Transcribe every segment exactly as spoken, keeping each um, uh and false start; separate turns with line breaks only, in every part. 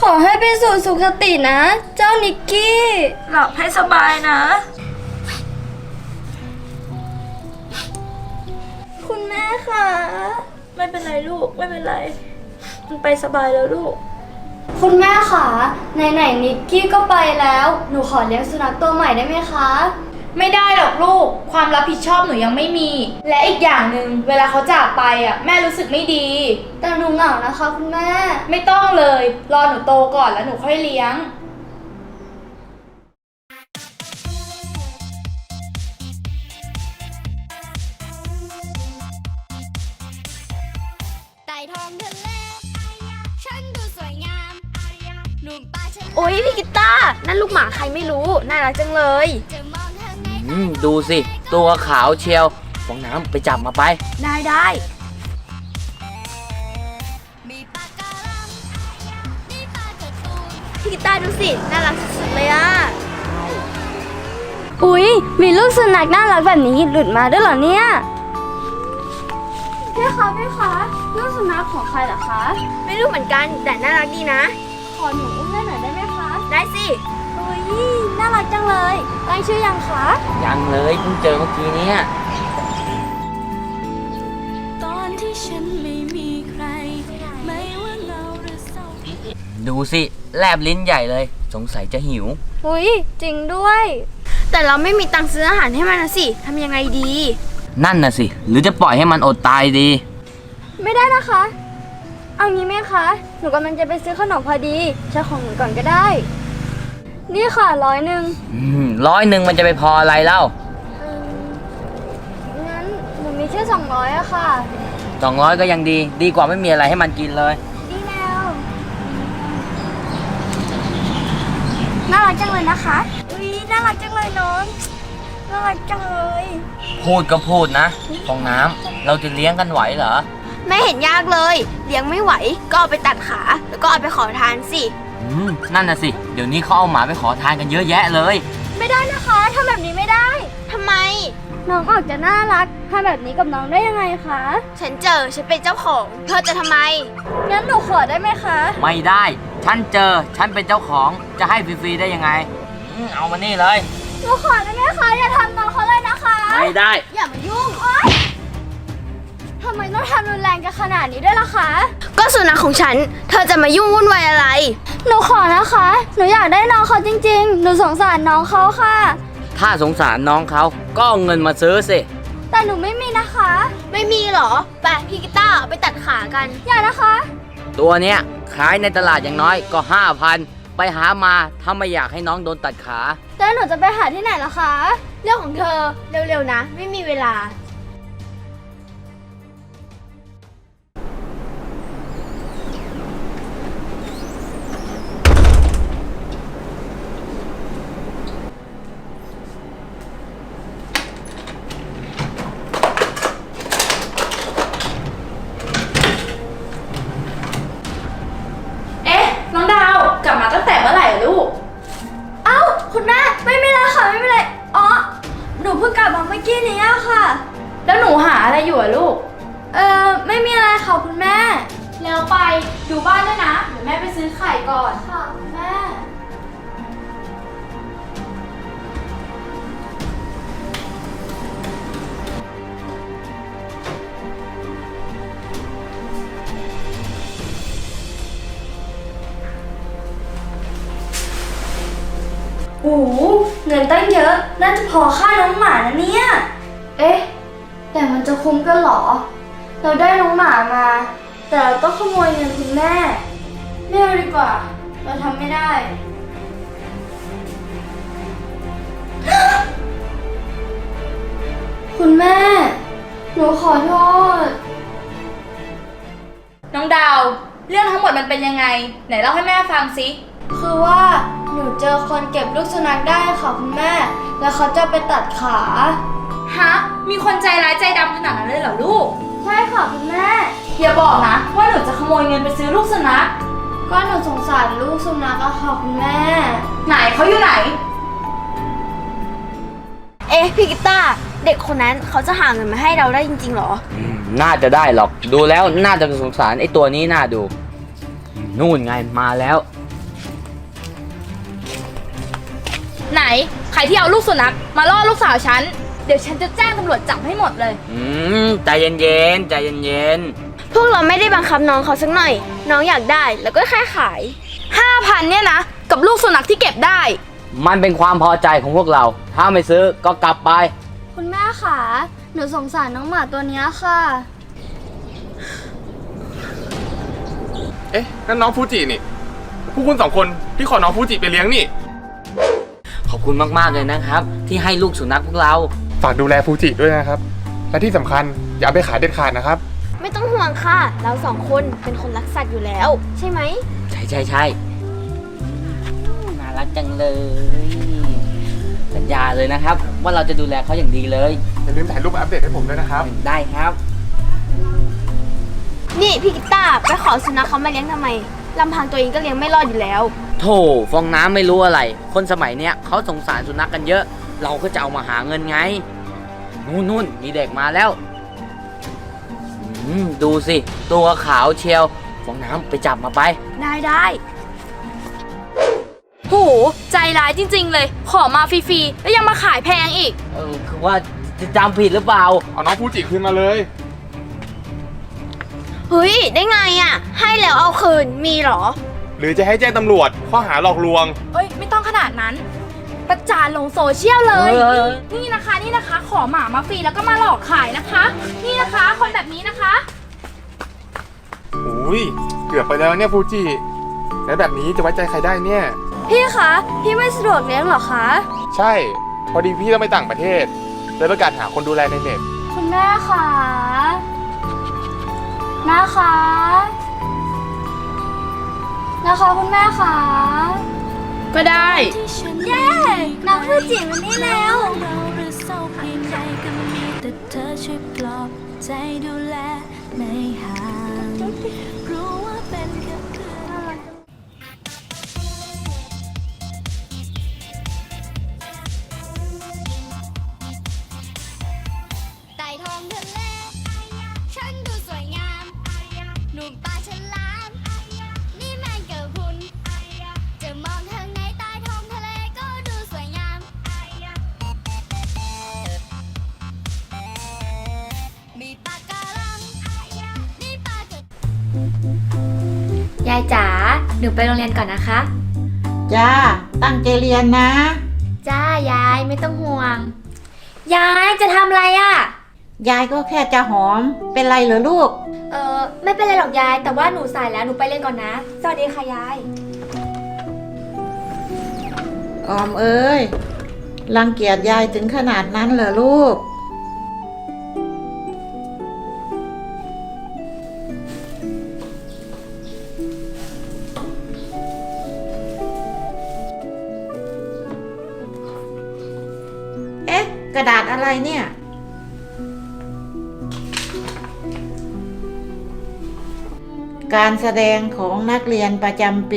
ขอให้ไปสู่สุคตินะเจ้านิกกี้หลับให้สบายนะคุณแม่ค่ะไม่เป็นไรลูกไม่เป็นไรมันไปสบายแล้วลูกคุณแม่ค่ะไหนๆนิกกี้ก็ไปแล้วหนูขอเลี้ยงสุนัขตัวใหม่ได้ไหมคะ
ไม่ได้หรอกลูกความรับผิดชอบหนูยังไม่มีและอีกอย่างหนึ่งเวลาเขาจากไปอ่ะแม่รู้สึกไม่ดี
แต่หนูเหงานะคะคุณแม่
ไม่ต้องเลยรอหนูโตก่อนแล้วหนูค่อยเลี้ยง
ไต่ทองทะเลฉันดูสวยงามหนุ่มป่าฉัน
โอ๊ยพี่กิต้านั่นลูกหมาใครไม่รู้น่ารักจังเลย
อืมดูสิตัวขาวเชียวฟองน้ำไปจับมาไป
ได้ได้พี่กิต้าดูสิน่ารักสุดๆเลยอ่ะ
อุ๊ยมีลูกสุนัขน่ารักแบบนี้หลุดมาด้วยเหรอเนี่ยพี่คะพี่คะลูกสุนัขของใครเหรอคะ
ไม่รู้เหมือนกันแต่น่ารักดีนะ
ขอหนูอุ้มได้หน่อยได้ไหมคะ
ได้สิ
อุ๊ยน่ารักจังเลยตั้งชื่อยังคะ
ยังเลยเพิ่งเจอเมื่อกี้นี้
ตอนที่ฉันไม่มีใครไม่ว่าเงาหรือเศร้า
ดูสิแลบลิ้นใหญ่เลยสงสัยจะหิว
อุ๊ยจริงด้วย
แต่เราไม่มีตังค์ซื้ออาหารให้มันนะสิทำยังไงดี
นั่นน่ะสิหรือจะปล่อยให้มันอดตายดี
ไม่ได้นะคะเอางี้ไหมคะหนูกำลังจะไปซื้อขนมพอดีใช้ของหนูก่อนก็ได้นี่ค่ะร้อยหนึ่ง
ร้อยหนึ่งมันจะไปพออะไรเล่า
งั้นหนูมีแค่สองร้อยอะค่ะ
สองร้อยก็ยังดีดีกว่าไม่มีอะไรให้มันกินเลย
ดีแล้วน่ารักจังเลยนะคะอุ้ยน่ารักจังเลยน้องน่ารักจังเลย
พูดก็พูดนะฟองน้ำเราจะเลี้ยงกันไหวเหรอ
ไม่เห็นยากเลยเลี้ยงไม่ไหวก็เอาไปตัดขาแล้วก็เอาไปขอทานสิ
อืมนั่นน่ะสิเดี๋ยวนี้เขาเอาหมาไปขอทานกันเยอะแยะเลย
ไม่ได้นะคะทำแบบนี้ไม่ได้
ทำไม
น้องออกจะน่ารักทำแบบนี้กับน้องได้ยังไงคะ
ฉันเจอฉันเป็นเจ้าของเธอจะทำไม
งั้นหนูขอได้ไหมคะ
ไม่ได้ฉันเจอฉันเป็นเจ้าของจะให้ฟรีๆได้ยังไงเอามานี่เลย
หนูขอได้ไหมคะอย่าทำน้องเขาเลยนะคะ
ไม่ได้
อย่ามายุ่ง
ทำไมต้องทำรุนแรงกันขนาดนี้ด้วยล่ะคะ
ก็สุนัขของฉันเธอจะมายุ่งวุ่นวายอะไร
หนูขอนะคะหนูอยากได้น้องเขาจริงๆหนูสงสารน้องเขาค่ะ
ถ้าสงสารน้องเขาก็เอาเงินมาซื้อสิ
แต่หนูไม่มีนะคะ
ไม่มีเหรอไปพี่กิต้าไปตัดขากัน
อย่านะคะ
ตัวเนี้ยขายในตลาดอย่างน้อยก็ห้าพันไปหามาถ้าไม่อยากให้น้องโดนตัดขา
แล้วหนูจะไปหาที่ไหนล่ะคะ
เรื่องของเธอเร็วๆนะไม่มีเวลา
น้องดาวกลับมาตั้งแต่เมื่อไหร่ลูก
เอ้าคุณแม่ไม่เป็นไรค่ะไม่เป็นไรอ๋อหนูเพิ่งกลับมาเมื่อกี้นี้ค่ะ
แล้วหนูหาอะไรอยู่อะลูก
เออไม่มีอะไรค่ะคุณแม่
แล้วไปดูบ้านด้วยนะเดี๋ยวแม่ไปซื้อไข่ก่อน
ค่ะคุณแม่โอ้โหเงินตั้งเยอะน่าจะพอค่าน้องหมานะเนี่ยเอ๊ะแต่มันจะคุ้มกันหรอเราได้น้องหมามาแต่เราต้องขโมยเงินคุณแม่ไม่เอาดีกว่าเราทำไม่ได้คุณแม่หนูขอโทษ
น้องดาวเรื่องทั้งหมดมันเป็นยังไงไหนเล่าให้แม่ฟังสิ
คือว่าหนูเจอคนเก็บลูกสุนัขได้ค่ะคุณแม่แล้วเขาจะไปตัดขา
ฮะมีคนใจร้ายใจดำขนาดนั้นเลยเหรอลูก
ใช่ค่ะคุณแม่
อย่าบอกนะว่าหนูจะขโมยเงินไปซื้อลูกสุนัข
ก็หนูสงสารลูกสุนัขอะค่ะคุณแม่
ไหนเขาอยู่ไหน
เอ๊ะพี่กิต้าเด็กคนนั้นเขาจะหาเงินมาให้เราได้จริงๆหรอ
น่าจะได้หรอกดูแล้วน่าจะสงสารไอ้ตัวนี้น่าดูนู่นไงมาแล้ว
ไหนใครที่เอาลูกสุนัขมาล่อลูกสาวฉัน เดี๋ยวฉันจะแจ้งตำรวจจับให้หมดเลย
อืมใจเย็นๆใจเย็น
พวกเราไม่ได้บังคับน้องเขาสักหน่อย น้องอยากได้แล้วก็แค่ขาย
ห้าพันเนี่ยนะ กับลูกสุนัขที่เก็บได้
ๆมันเป็นความพอใจของพวกเรา ถ้าไม่ซื้อก็กลับไป
คุณแม่ค่ะหนูสงสารน้องหมาตัวเนี้ยค่ะ
เอ๊ะนั่นน้องฟูจินี่พวกคุณสองคนที่ขอน้องฟูจิไปเลี้ยงนี่
ขอบคุณมากๆเลยนะครับ ที่ให้ลูกสุนัขพวกเรา
ฝากดูแลฟูจิด้วยนะครับ และที่สำคัญอย่าเอาไปขายเด็ดขาดนะครับ
ไม่ต้องห่วงค่ะ เราสองคนเป็นคนรักสัตว์อยู่แล้ว ใช่ไหม
ใช่ใช่ใช่น่ารักจังเลย สัญญาเลยนะครับ ว่าเราจะดูแลเขาอย่างดีเลย
อย่าลืมถ่ายรูปมาอัปเดตให้ผมด้วยนะครับ
ได้ครับ
นี่พี่กิตต้าไปขอสุนัขเขามาเลี้ยงทำไมลำพังตัวเองก็เลี้ยงไม่รอดอยู่แล้ว
โถฟองน้ำไม่รู้อะไร คนสมัยเนี้ยเขาสงสารสุนัขกันเยอะ เราก็จะเอามาหาเงินไง นู่นนู่นมีเด็กมาแล้วอืมดูสิ ตัวขาวเชียว ฟองน้ำไปจับมาไป
ได้ได้
โห ใจร้ายจริงๆเลย ขอมาฟรีๆ แล้วยังมาขายแพงอีก
เออคือว่าจะจำผิดหรือเปล่า
เอาน้องฟูจิคืนมาเลย
เฮ้ยได้ไงอ่ะ ให้แล้วเอาคืนมีเหรอ
หรือจะให้แจ้งตำรวจข้อหาหลอกลวง
เอ้ย ไม่ต้องขนาดนั้น ประจานลงโซเชียลเลย
เออ
นี่นะคะนี่นะคะ ขอหมามาฟรีแล้วก็มาหลอกขายนะคะ นี่นะคะคนแบบนี้นะคะ
อุ้ยเกือบไปแล้วเนี่ยฟูจิแล้วแบบนี้จะไว้ใจใครได้เนี่ย
พี่คะพี่ไม่สะดวกเลี้ยงเหรอคะ
ใช่ พอดีพี่ต้องไปต่างประเทศเลยประกาศหาคนดูแลในเน็ต
คุณแม่คะนะคะนะคะคุณแม่คะ
ก็ได้
ที่ฉัน
เย้น้องฟูจิมันนี่แล้ว
เราหรือเศร้าเพียงใดก็มีแต่เธอช่วยปลอบใจดูแลไม่ห่างรู้ว่าเป็นแค่เพื่อน
ใต้ท้องทะเล ฉันดูสวยงาม หนุ่มปลาฉลาม นี่แมงกะพรุน จะมองทางไหนใต้ท้องทะเลก็ดูสวยงาม มีปลาการัง นี่ปลากระ
ยายจ๋า หนูไปโรงเรียนก่อนนะคะ
จ้า ตั้งใจเรียนนะ
จ้ายายไม่ต้องห่วง ยายจะทำอะไรอะ่ะ
ยายก็แค่จะหอม เป็นไรเหรอลูก
เออไม่เป็นไรหรอกยาย แต่ว่าหนูสายแล้วหนูไปเรียนก่อนนะ สวัสดีค่ะยาย
ออมเอ้ย รังเกียจยายถึงขนาดนั้นเหรอลูก เอ๊ะ กระดาษอะไรเนี่ย การแสดงของนักเรียนประจำปี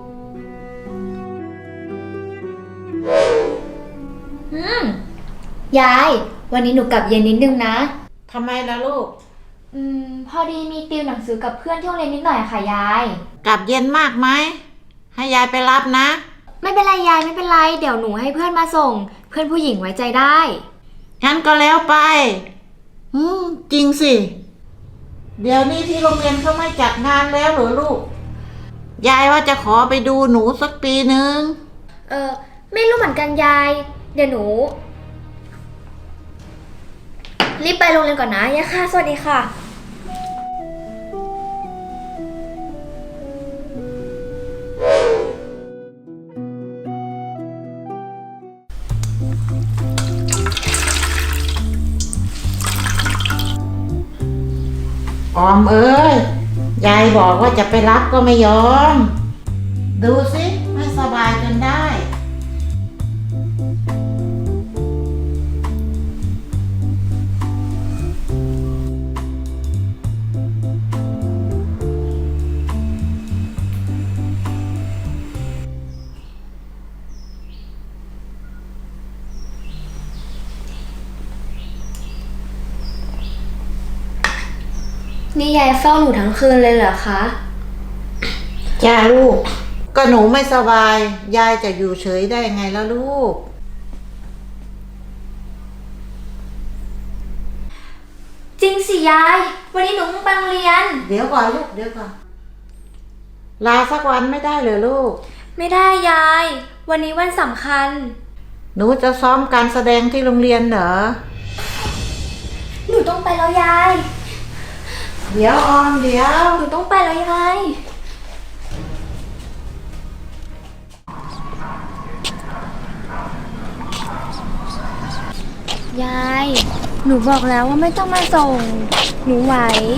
อืม ยาย วันนี้หนูกลับเย็นนิดนึงนะ
ทำไมล่ะลูก
อืม พอดีมีติวหนังสือกับเพื่อนที่โรงเรียนนิดหน่อยอะค่ะยาย
กลับเย็นมากไหม ให้ยายไปรับนะ
ไม่เป็นไรยายไม่เป็นไร เดี๋ยวหนูให้เพื่อนมาส่ง เพื่อนผู้หญิงไว้ใจได้
งั้นก็แล้วไป อืม จริงสิ เดี๋ยวนี้ที่โรงเรียนเขาไม่จัดงานแล้วเหรอลูก ยายว่าจะขอไปดูหนูสักปีหนึ่ง
เออไม่รู้เหมือนกันยาย เดี๋ยวหนู รีบไปโรงเรียนก่อนนะยายค่ะ สวัสดีค่ะ
ออมเอ้ย ยายบอกว่าจะไปรับก็ไม่ยอม ดูสิไม่สบายจนได้
นี่ยายเฝ้าหนูทั้งคืนเลยเหรอคะ
จ้าลูก กก็หนูไม่สบาย ยายจะอยู่เฉยได้ไงล่ะลูก
จริงสิยาย วันนี้หนูต้องไปโรงเรียน
เดี๋ยวก่อนลูกเดี๋ยวก่อน ลาสักวันไม่ได้เลยลูก
ไม่ได้ยาย วันนี้วันสำคัญ
หนูจะซ้อมการแสดงที่โรงเรียนเหรอ
หนูต้องไปแล้วยาย
เดี๋ยวออมเดี๋ยว
หนูต้องไปแล้วยาย ยาย หนูบอกแล้วว่าไม่ต้องมาส่ง หนูไหว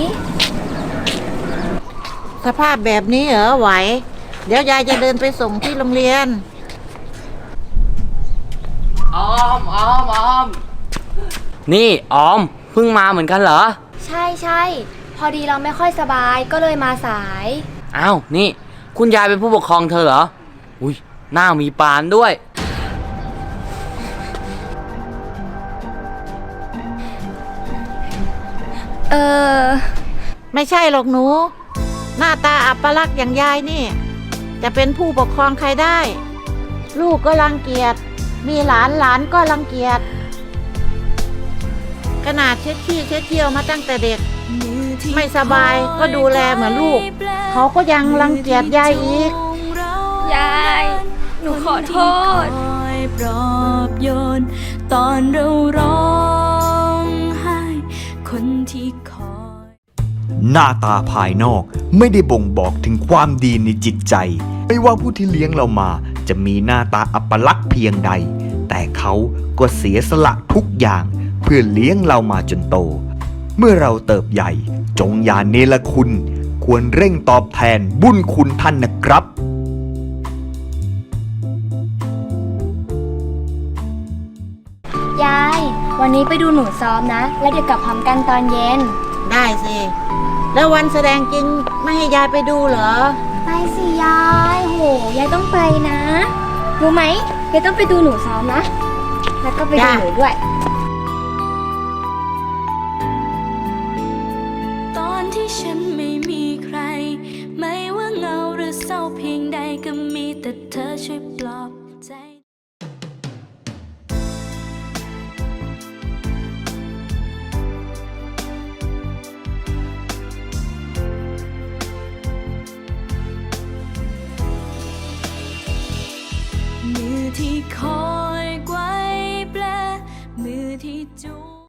สภาพแบบนี้เหรอไหว เดี๋ยวยายจะเดินไปส่งที่โรงเรียน
ออมออมออม นี่ออมเพิ่งมาเหมือนกันเหรอ
ใช่ใช่พอดีเราไม่ค่อยสบายก็เลยมาสาย
อ้าว นี่ คุณยายเป็นผู้ปกครองเธอเหรอ อุ้ยหน้ามีปานด้วย
เออ
ไม่ใช่หรอกหนู หน้าตาอัปลักษณ์อย่างยายนี่ จะเป็นผู้ปกครองใครได้ ลูกก็รังเกียจ มีหลานหลานก็รังเกียจ ขนาดเช็ดขี้เช็ดเที่ยวมาตั้งแต่เด็ก ไม่สบายก็ดูแลเหมือนลูก เขาก็ยังรังเกียจยายอีก
ยาย หนูขอโทษ
คอยปลอบโยน ตอนเราร้องไห้ คนที่คอย
หน้าตาภายนอกไม่ได้บ่งบอกถึงความดีในจิตใจ ไม่ว่าผู้ที่เลี้ยงเรามาจะมีหน้าตาอัปลักษณ์เพียงใด แต่เขาก็เสียสละทุกอย่างเพื่อเลี้ยงเรามาจนโต เมื่อเราเติบใหญ่ จงอย่าเนรคุณ ควรเร่งตอบแทนบุญคุณท่านนะครับ
ยาย วันนี้ไปดูหนูซ้อมนะ แล้วเดี๋ยวกลับพร้อมกันตอนเย็น
ได้สิ แล้ววันแสดงจริงไม่ให้ยายไปดูเหรอ
ไปสิยาย โห ยายต้องไปนะ รู้ไหมยายต้องไปดูหนูซ้อมนะ แล้วก็ไปดู
จ้ะ
หนูด้วย
ตอนที่ฉันไม่มีใคร ไม่ว่าเหงาหรือเศร้าเพียงใดก็มีแต่เธอช่วยปลอบ